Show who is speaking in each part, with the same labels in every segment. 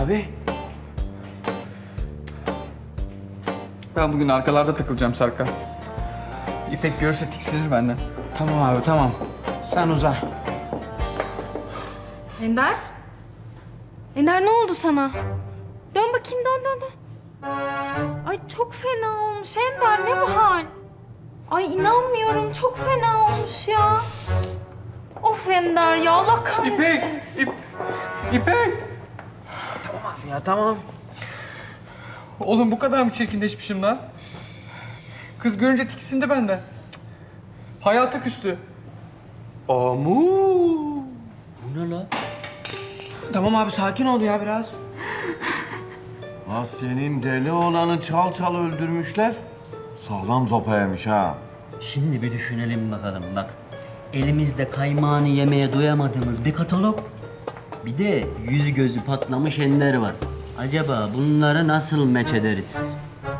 Speaker 1: Abi.
Speaker 2: Ben bugün arkalarda takılacağım Serkan. İpek görürse tiksinir benden.
Speaker 1: Tamam abi tamam. Sen uza.
Speaker 3: Ender? Ender ne oldu sana? Dön bakayım dön. Ay çok fena olmuş Ender ne bu hal? Ay inanmıyorum çok fena olmuş ya. Of Ender ya Allah kahretsin.
Speaker 2: İpek!
Speaker 1: Abi ya tamam.
Speaker 2: Oğlum bu kadar mı çirkinleşmişim lan? Kız görünce tiksindi benden. Cık. Hayata küstü.
Speaker 1: Bu ne la? Tamam abi sakin ol ya biraz.
Speaker 4: Ha senin deli olanı çal öldürmüşler. Sağlam zopaymış ha.
Speaker 5: Şimdi bir düşünelim bakalım bak. Elimizde kaymağını yemeye doyamadığımız bir katalog. Bir de yüzü gözü patlamış Ender var. Acaba bunları nasıl meç ederiz?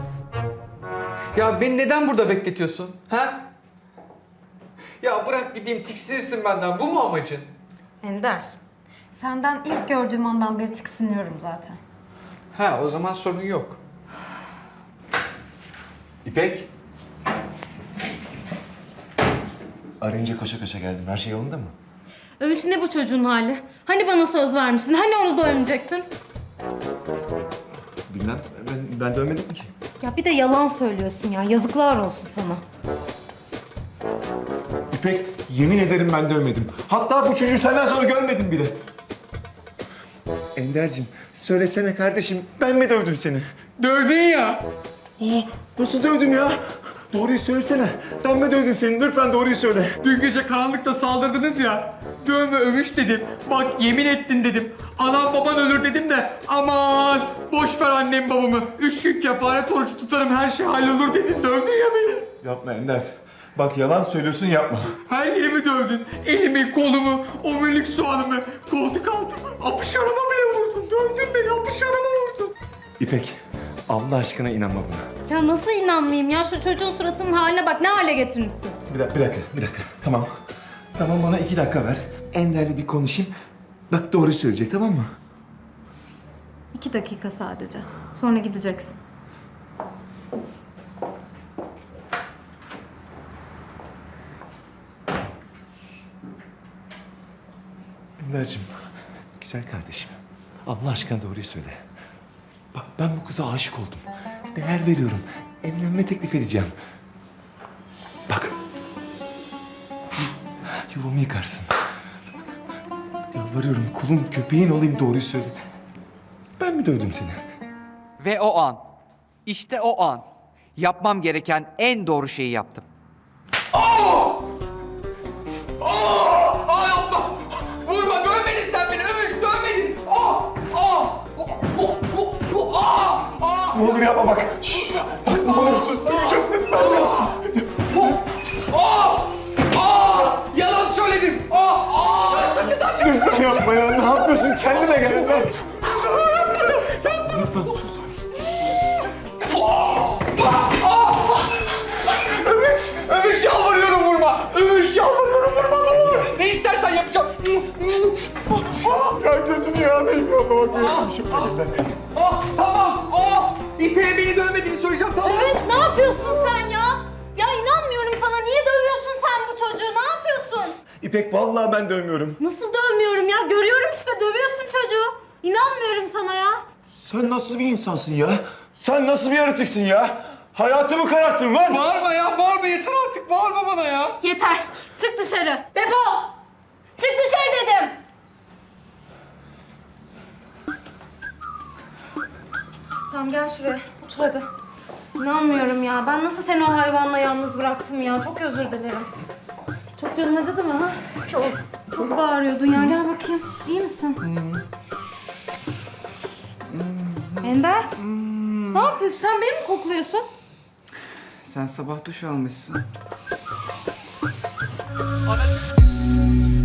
Speaker 2: Ya beni neden burada bekletiyorsun? Ha? Ya bırak gideyim tiksinirsin benden. Bu mu amacın?
Speaker 3: Ender senden ilk gördüğüm andan beri tiksiniyorum zaten.
Speaker 2: Ha o zaman sorun yok.
Speaker 6: İpek. Arayınca koşa koşa geldim. Her şey yolunda mı?
Speaker 3: Övünç ne bu çocuğun hali? Hani bana söz vermiştin? Hani onu dövmeyecektin?
Speaker 6: Bilmem. Ben dönmedim ki.
Speaker 3: Ya bir de yalan söylüyorsun ya. Yazıklar olsun sana.
Speaker 6: İpek, yemin ederim ben dövmedim. Hatta bu çocuğu senden sonra görmedim bile. Ender'cim, söylesene kardeşim. Ben mi dövdüm seni?
Speaker 2: Dövdün ya.
Speaker 6: Nasıl dövdüm ya? Doğruyu söylesene. Ben mi dövdüm seni? Lütfen doğruyu söyle.
Speaker 2: Dün gece karanlıkta saldırdınız ya. Dövme övüş dedim. Bak yemin ettin dedim. Anam baban ölür dedim de aman boş ver annem babamı. 3 gün kefaret orucu tutarım her şey hallolur dedin. Dövdün ya beni.
Speaker 6: Yapma Ender. Bak yalan söylüyorsun yapma.
Speaker 2: Her yerimi dövdün. Elimi, kolumu, omurilik soğanımı, koltuk altımı, apışarama bile vurdun. Dövdün beni, apışarama vurdun.
Speaker 6: İpek, Allah aşkına inanma buna.
Speaker 3: Ya nasıl inanmayayım ya? Şu çocuğun suratının haline bak. Ne hale getirmişsin?
Speaker 6: Bir dakika. Tamam. Tamam bana 2 dakika ver. Ender'le bir konuşayım. Bak doğruyu söyleyecek tamam mı?
Speaker 3: 2 dakika sadece. Sonra gideceksin.
Speaker 6: Ender'cim, güzel kardeşim. Allah aşkına doğruyu söyle. Bak ben bu kıza aşık oldum. Değer veriyorum. Evlenme teklif edeceğim. Bak. Yuvamı yıkarsın. Yalvarıyorum kulun köpeğin olayım doğruyu söyle. Ben mi dövdüm seni?
Speaker 7: Ve o an, işte o an yapmam gereken en doğru şeyi yaptım.
Speaker 2: Ay yapma! Vurma, dövmedin sen beni, övüş, dövmedin!
Speaker 6: Ne olur yapma bak. Şşş, bak ne olur sus. Döveceğim lütfen yapma.
Speaker 2: Yalan söyledim! Saçından çık!
Speaker 6: Lütfen yapma ya. Ne yapıyorsun? Kendine gel. Lan. Lütfen sus.
Speaker 2: Övüş yalvarıyorum vurma! Övüş yalvarıyorum vurma ne olur! Ne istersen yapacağım!
Speaker 6: Ya gözünü yağlayayım yapma bak. Gözünü
Speaker 2: Tamam! İpek'e beni dövmediğini söyleyeceğim tamam!
Speaker 3: Övünç ne yapıyorsun sen ya? Ya inanmıyorum sana. Niye dövüyorsun sen bu çocuğu? Ne yapıyorsun?
Speaker 6: İpek vallahi ben dövmüyorum.
Speaker 3: Nasıl dövmüyorum ya? Görüyorum işte dövüyorsun çocuğu. İnanmıyorum sana ya.
Speaker 6: Sen nasıl bir insansın ya? Sen nasıl bir yaratıksın ya? Hayatımı kararttın lan!
Speaker 2: Bağırma ya, bağırma yeter artık, bağırma bana ya!
Speaker 3: Yeter. Çık dışarı. Defol. Çık dışarı dedim. Tamam gel şuraya. Otur hadi. İnanmıyorum ya. Ben nasıl seni o hayvanla yalnız bıraktım ya. Çok özür dilerim. Çok canın acıdı mı ha? Çok. Çok bağırıyordun ya. Gel bakayım. İyi misin? Ender. Ne yapıyorsun? Sen beni mi kokluyorsun?
Speaker 2: Sen sabah duş almışsın.